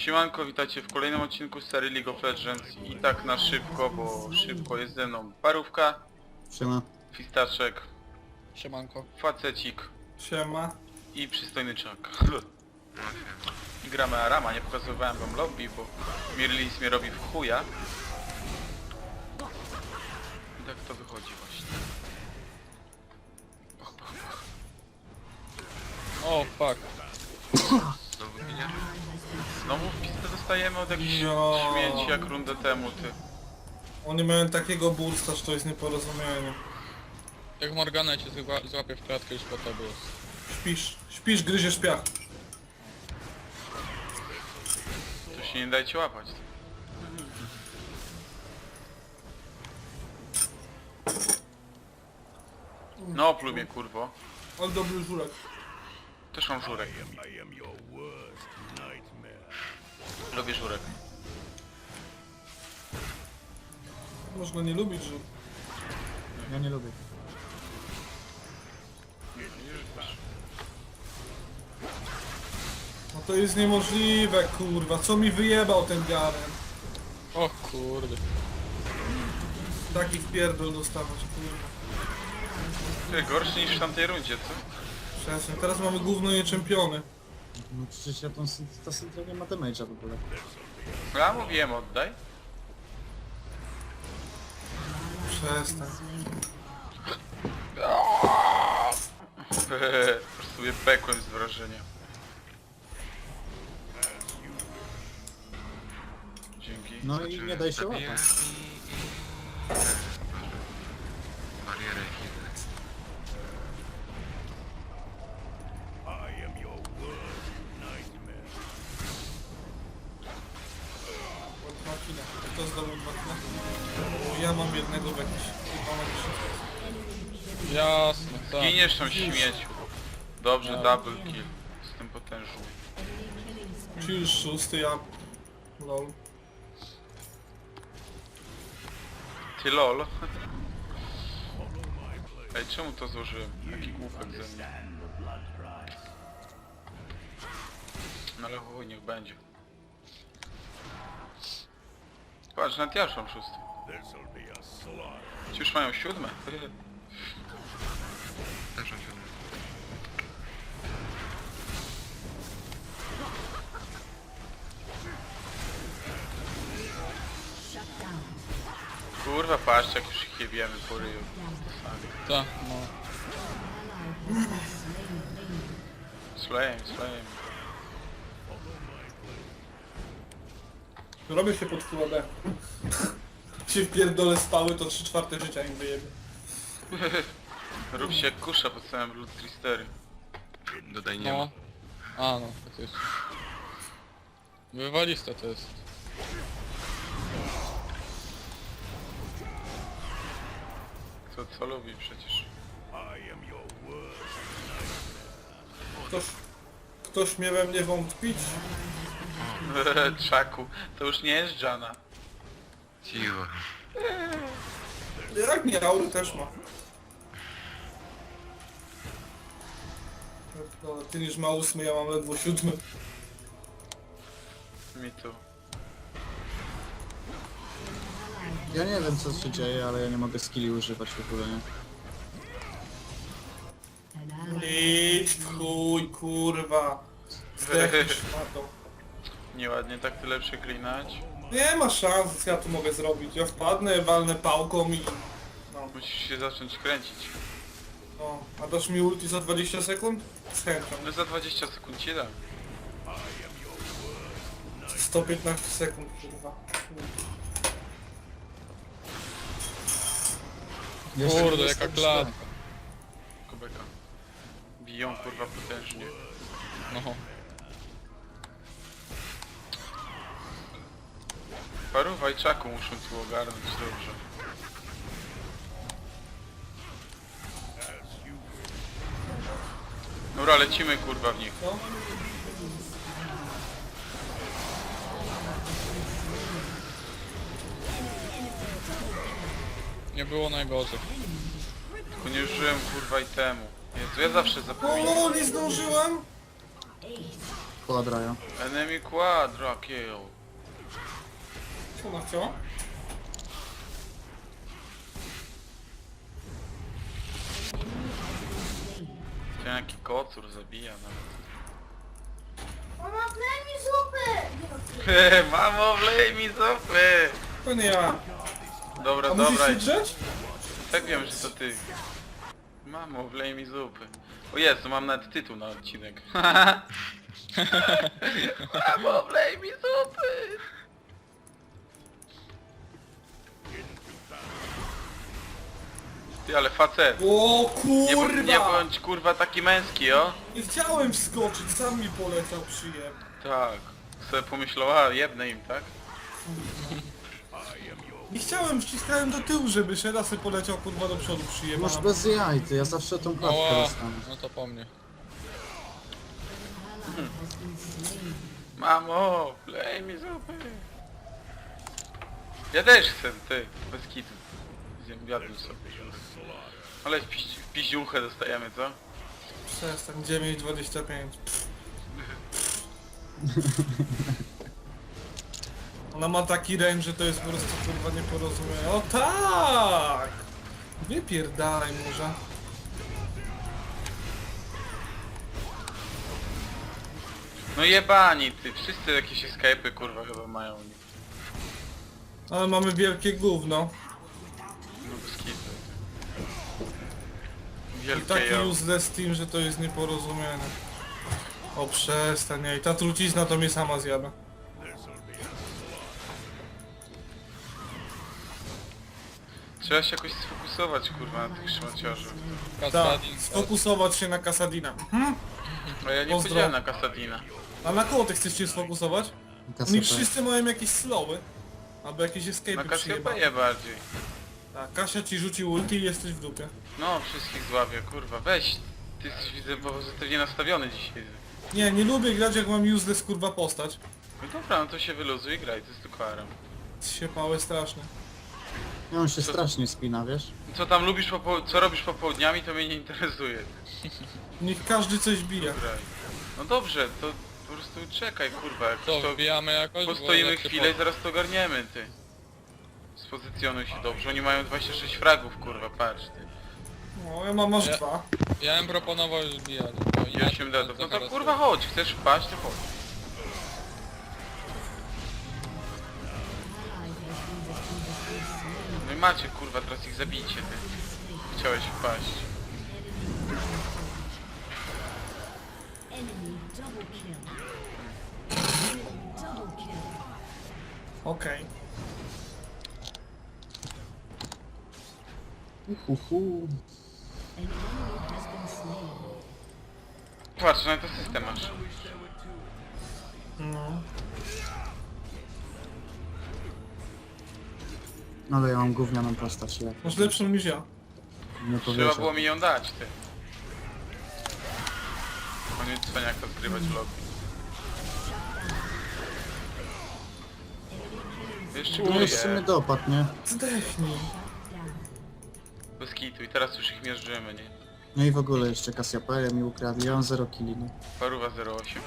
Siemanko, witajcie w kolejnym odcinku z serii League of Legends i tak na szybko, bo szybko jest ze mną Parówka, Siema. Fistaczek, Siemanko. Facecik Siema. i przystojny czak. I gramy Arama, nie pokazywałem wam lobby, bo Mirlis mnie robi w chuja. I tak to wychodzi właśnie. Pach, pach, pach. O, fuck. Znowu ginie? Znowu w pistę dostajemy od jakichś Jo. śmieci jak rundę temu, ty. Oni mają takiego bursta, że to jest nieporozumienie. Jak Morgana cię złapie w klatkę, już po tobie jest. Śpisz, gryziesz piach. To się nie dajcie łapać. No pluj mnie kurwo. Ale dobry żurek. Też mam żurek. Lubię żurek. Można nie lubić żur. Ja nie lubię. No to jest niemożliwe, kurwa. Co mi wyjebał ten Garen? O kurde. Taki wpierdol dostawać, kurwa. Ty, gorszy niż w tamtej rundzie, co? Przestań. Teraz mamy gówno i czempiony. No przecież ja ta syntra nie ma damage'a w ogóle. Ja mówiłem oddaj. Przestań. Sobie pekłem z wrażenia. Dzięki. No i nie daj się Zabiję łapać. barierę chwilę. Od makina. Kto zdobył makina? Ja mam jednego w jakiś... Jasne, tak. Giniesz tam śmieciu. Dobrze, double kill. Jestem potężny. Czy już szósty, ja... Lol. Ty lol. Ej, czemu to złożyłem? Taki głupek ze mnie. No ale chuj, niech będzie. Patrz, nawet ja już mam szósty. Ci już mają siódme. Też on się Kurwa, patrz, jak już ich jebiemy po ryju. Tak, no. Slame. Robię się pod full AD. Się wpierdolę spały, to 3/4 życia im wyjebie. Rób się jak kusza po całym Blood Tristery. dodaj nie ma. No. A no, faktycznie. Wywaliste to jest. Co lubi przecież. Ktoś mnie we mnie wątpić? Czaku, to już nie jest Jana. Cicho. Jak nie, Aury też ma. No, ty już ma 8, ja mam ledwo 7. Mi tu. Ja nie wiem co się dzieje, ale ja nie mogę skilli używać w ogóle, nie? Idź w chuj, kurwa. Zdechniesz szmatą. Nieładnie tak tyle przeklinać. Nie ma szans, ja to mogę zrobić. Ja wpadnę, walnę pałką i... No, Musisz się zacząć kręcić. no. A dasz mi ulti za 20 sekund? Z chęcią. No za 20 sekund ci dam. 115 sekund, kurwa. Jeszcze Kurde, nie jaka jestem klatka. Kubeka. Biją kurwa potężnie. No. Paru wajczaku muszą tu ogarnąć dobrze. Dobra, lecimy kurwa w nich. No. Nie było najgorzej. Tylko nie użyłem kurwa itemu. Jezu, ja zawsze zapominam. O, nie zdążyłem! Quadraja. Enemy quadra kill. Co ona chciała? Ten jaki kocur zabija nawet. Mama, wlej mi zupy! Mamo, wlej mi zupy! To nie ja. Dobra, A musisz dobra. się drzeć? Tak wiem, że to ty. Mamo, wlej mi zupy. O Jezu, mam nawet tytuł na odcinek. Mamo, wlej mi zupy! Ty, ale facet. O Nie kurwa! bądź kurwa taki męski, o? Nie chciałem wskoczyć, sam mi poleciał przyjem. Tak. Sobie pomyślała, jebnę im, tak? Nie chciałem, wciskałem do tyłu, żeby Sheda sobie poleciał kurwa do przodu przyjem. Masz bez jaj, ty, ja zawsze tą klatkę Oła, dostanę. no to po mnie. Mamo, wlej mi zupy. Ja też chcę, ty, bez kitu. Zjadłem sobie. Ale piździuchę dostajemy, co? Przestań, 9,25. Ona ma taki range, że to jest po prostu kurwa nieporozumienie. O tak! Wypierdalaj może. No jebani, ty, wszyscy jakieś escape'y kurwa chyba mają. Ale mamy wielkie gówno. No bez kitu. I Wielkie taki jo. useless team, że to jest nieporozumienie. O przestań, i ta trucizna to mnie sama zjada. Trzeba się jakoś sfokusować kurwa na tych szmaciarzach. Tak, Kasadin. sfokusować się na Kasadina. No ja nie Pozdro. powiedziałem na Kasadina. A na kogo ty chcesz się sfokusować? Oni Kasapę. wszyscy mają jakieś slowy. Albo jakieś Na escape'y przyjebane. Kasiopeję bardziej. Tak, Kasia ci rzuci ulti i jesteś w dupie. No, wszystkich złapię, kurwa, weź. Ty jesteś, widzę, pozytywnie nastawiony dzisiaj. Nie lubię grać jak mam useless kurwa postać. No dobra, no to się wyluzuj i graj, to jest tylko aram. Się pałe strasznie. Ja on się strasznie spina, wiesz? Co tam lubisz, co robisz popołudniami, to mnie nie interesuje. Niech każdy coś bije. Graj. No dobrze, to po prostu czekaj, kurwa, jak To to wbijamy jakoś? bo postoimy jak się chwilę i zaraz to ogarniemy, ty. Spozycjonuj się dobrze, oni mają 26 fragów, kurwa, patrz, ty. No, ja mam aż Ja- 2. Ja bym proponował już zbijać. I 8 deadów. No to kurwa chodź, chcesz wpaść, to chodź. No i macie, kurwa, teraz ich zabijcie, ty. Chciałeś wpaść. Okej. Uhu. Patrz, no to system masz. No. Ale ja mam gównianą postać, ja Masz lepszą niż ja. nie Trzeba powierzę. było mi ją dać, ty. Koniec cwaniaka zgrywać w lobby. Jeszcze No jeszcze mnie góry, dopadł, nie? Zdechnij. bez kitu i teraz już ich mierzymy, nie? No i w ogóle jeszcze Cassiopeia mi ukradli, ja mam 0 killi, no. Paruwa 08.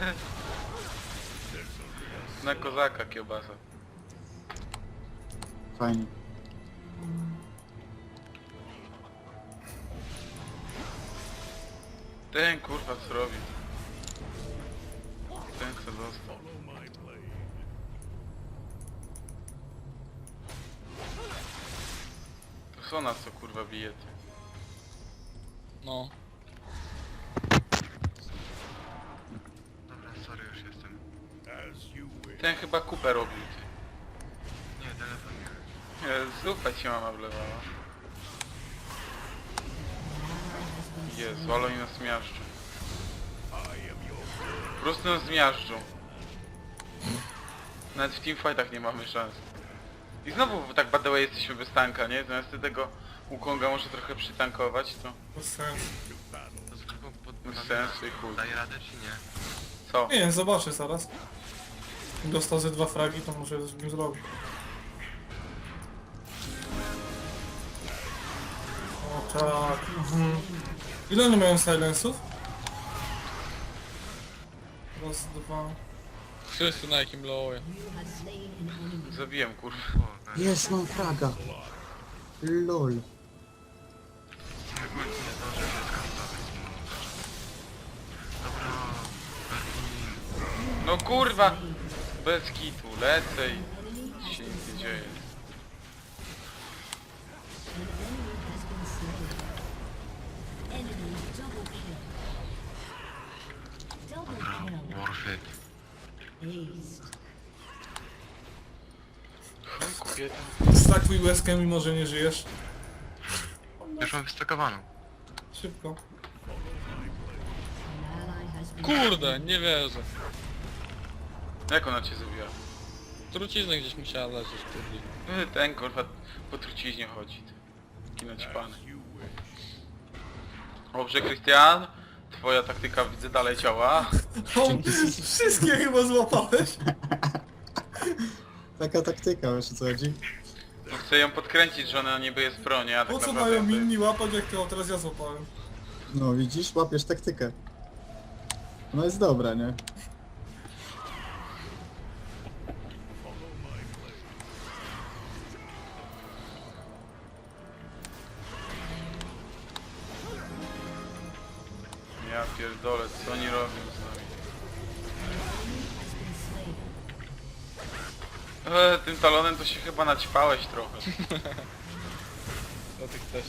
Na kozaka kiełbasa. Fajnie. Ten kurwa co robi? Ten co dostał. To Sona co kurwa bije ty. No. Dobra, sorry, już jestem. Ten chyba kupę robił ty. Nie, telefon nie. Zupa ci mama wlewała. Jezu, ale oni nas miażdżą. Po prostu nas zmiażdżą. Nawet w teamfightach nie mamy szans. I znowu tak by the way jesteśmy bez tanka, nie? Zamiast tego Wukonga może trochę przytankować, to Bez sensu. To z grupą pod... bez sensu i chuj. Daje radę czy nie? Co? Nie, zobaczę zaraz. Dostał ze 2 fragi, to muszę z nim zrobić. O tak. Ile oni mają silenców? Raz, raz, dwa. Wszyscy na jakim lowie. Zabiłem, kurwa. O, Jest, mam fraga. LOL. jakby nie zdążył się skantować. Dobra, Berlin. No kurwa! Bez kitu, lecę i się nic nie dzieje. Dobra, Warfit. Chuj, kobieta. Stakuj łezkę, mimo że nie żyjesz. Już mam wystakowaną. Szybko. Kurde, nie wierzę. Jak ona cię zabiła? Trucizna gdzieś musiała leżeć, kurde. Ten kurwa po truciźnie chodzi. Kino ci pany. Dobrze, Krystian. Twoja taktyka widzę dalej działa. O, wszystkie chyba złapałeś. Taka taktyka, wiesz o co chodzi? No chcę ją podkręcić, że ona niby jest pro, nie? A tak Po co naprawdę mają to jest- inni łapać, jak to teraz ja złapałem? No widzisz, łapiesz taktykę. No jest dobra, nie? Ja pierdolę, co oni robią z nami? Tym talonem to się chyba naćpałeś trochę. Do tych też.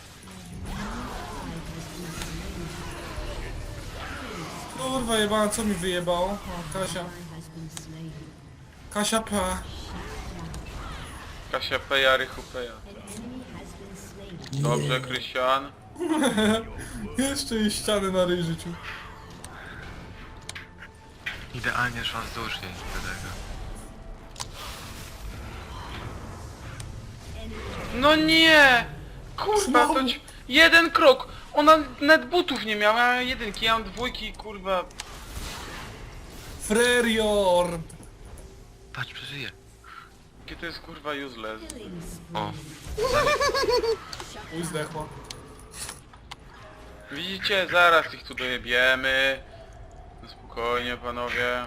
Kurwa jebana, co mi wyjebało? O, Kasia. Kasia P. Kasia Peja, Rychu Peja. Dobrze, Krystian. Jeszcze jej ściany na ryj życiu. Idealnie szła wzdłuż jej do tego. No nie! Kurwa, to Znowu. jeden krok! Ona net butów nie miała, a ja jedynki, ja mam dwójki, kurwa. Frerior! Patrz, przeżyje. Jakie to jest kurwa useless. O, Uj, zdechła. Widzicie, zaraz ich tu dojebiemy. No spokojnie, panowie.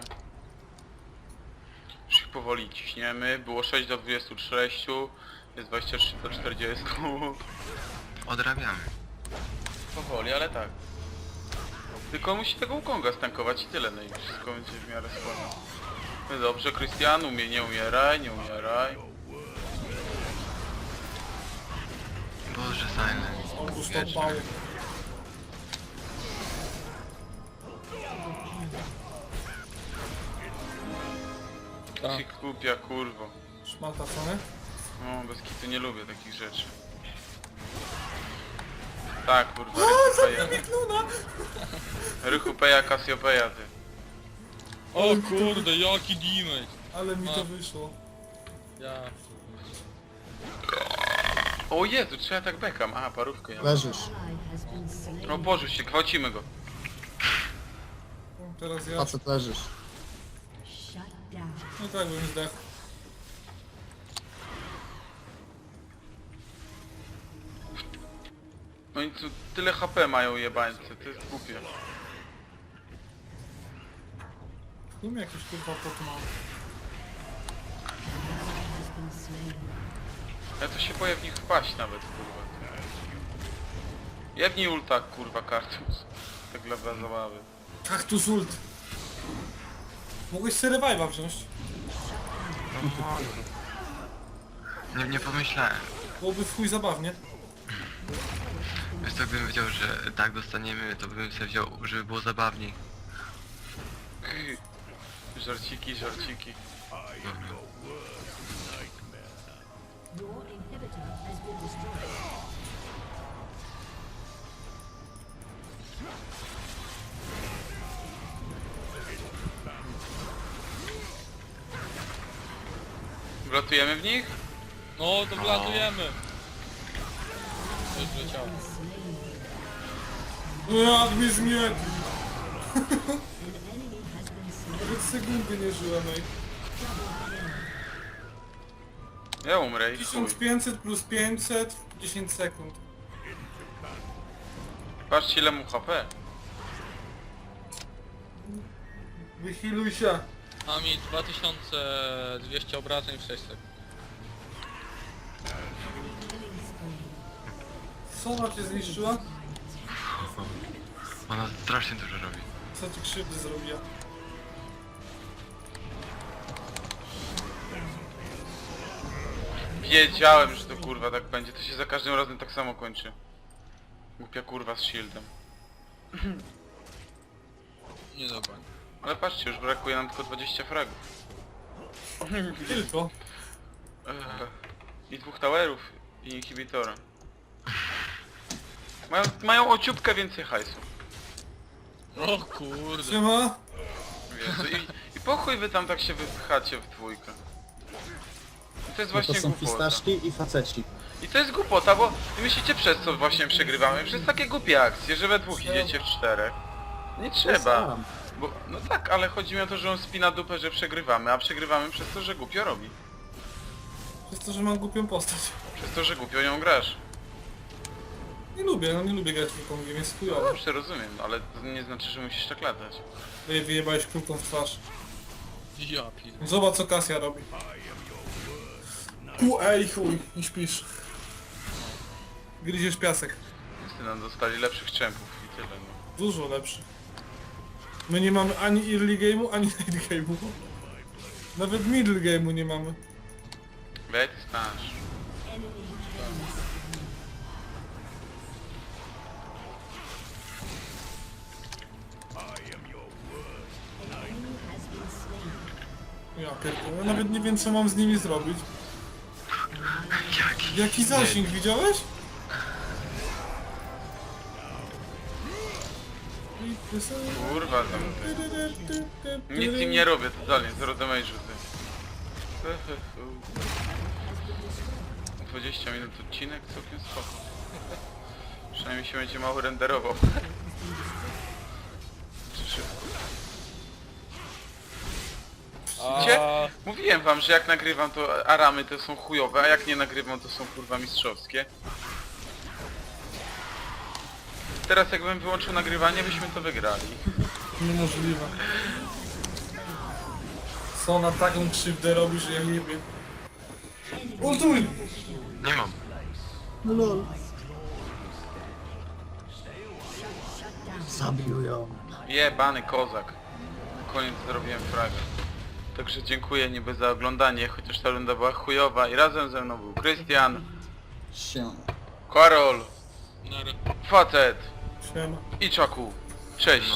Już ich powoli ciśniemy. Było 6 do 26, jest 23 do 40. odrabiamy. Powoli, ale tak. Tylko musi tego Ukonga stankować i tyle, no i wszystko będzie w miarę słabo. No dobrze, Krystian, nie umieraj, nie umieraj. Boże, Silent. Otóż to Wieczny. pały. Tak. Ci kupia, kurwo. Szmata, co nie? No, bez kitu nie lubię takich rzeczy. Tak, kurwa, Rychupeja. Rychupeja, Kasiopeja, ty. O kurde, jaki damage. Ale mi to wyszło. Ja... O Jezu, trzeba tak bekam. Aha, parówkę ja mam. Leżysz. O Boże, się gwałcimy go. No, teraz ja. Facet leżysz. No tak bym zdechł. No i tu tyle HP mają jebańcy, to jest głupie. Tu mi jakiś kurwa pot mam. Ja to się boję w nich wpaść nawet, kurwa. Jebnij ulta, kurwa, kartus. Tak dla zabawy. Kaktus ult. Mogłeś sobie revive'a wziąć. Nie pomyślałem. Byłoby w chuj zabawnie. Wiesz co, gdybym wiedział, że tak dostaniemy, to bym sobie wziął, żeby było zabawniej. Żarciki, żarciki. Dobra. Wlatujemy w nich? No to wlatujemy. Coś wleciało. Jak mi zmietli. Nawet sekundy nie żyłem, ej. Ja umrę i chuj. 1500 plus 500, 10 sekund. Patrzcie ile mu HP. Wychiluj się. A mi 2200 obrażeń w 6 sekund. Co ona cię zniszczyła? Ona strasznie dużo robi. Co ci krzywdy zrobiła? Wiedziałem, że to kurwa tak będzie. To się za każdym razem tak samo kończy. Głupia kurwa z shieldem. Nie dobra. Ale patrzcie, już brakuje nam tylko 20 fragów. Tylko. I 2 towerów i inhibitora. Mają o ciupkę więcej hajsu. O kurde. Siema. Jezu, i po chuj wy tam tak się wypchacie w dwójkę. I to jest No to właśnie są głupota. fistaszki i faceci. I to jest głupota, bo myślicie przez co właśnie przegrywamy? Przez takie głupie akcje, że we dwóch idziecie w 4. Nie trzeba. Sam. Bo, no tak, ale chodzi mi o to, że on spina dupę, że przegrywamy, a przegrywamy przez to, że głupio robi. Przez to, że mam głupią postać. Przez to, że głupio nią grasz. Nie lubię grać w Wukongiem, jest No chujowo. dobrze, rozumiem, ale to nie znaczy, że musisz tak latać. Wyjebałeś kulką w twarz. Ja pierdolę. Zobacz co Kasia robi. Ej chuj, nie śpisz. Gryziesz piasek. Niestety nam dostali lepszych czempów i tyle, no. Dużo lepszy. My nie mamy ani early game'u, ani late game'u. Nawet middle game'u nie mamy. Weź znasz. Ja pierdolę, ja nawet nie wiem co mam z nimi zrobić. Jaki zasięg, widziałeś? Kurwa tam. Nic im nie robię, totalnie, zero damage'u ty. 20 minut odcinek, całkiem spoko. Przynajmniej się będzie mało renderował. Czy szybko? Widzicie? A Mówiłem wam, że jak nagrywam to aramy to są chujowe, a jak nie nagrywam to są kurwa mistrzowskie. Teraz jakbym wyłączył nagrywanie, byśmy to wygrali. Niemożliwe. Co na taką krzywdę robi, że ja nie wiem. Ultuj! Nie mam. Lol. Zabił ją. Jebany kozak. Na koniec zrobiłem fragę. Także dziękuję niby za oglądanie, chociaż ta runda była chujowa i razem ze mną był Krystian, Się. Karol, nara. Facet Siema. i Czaku. Cześć.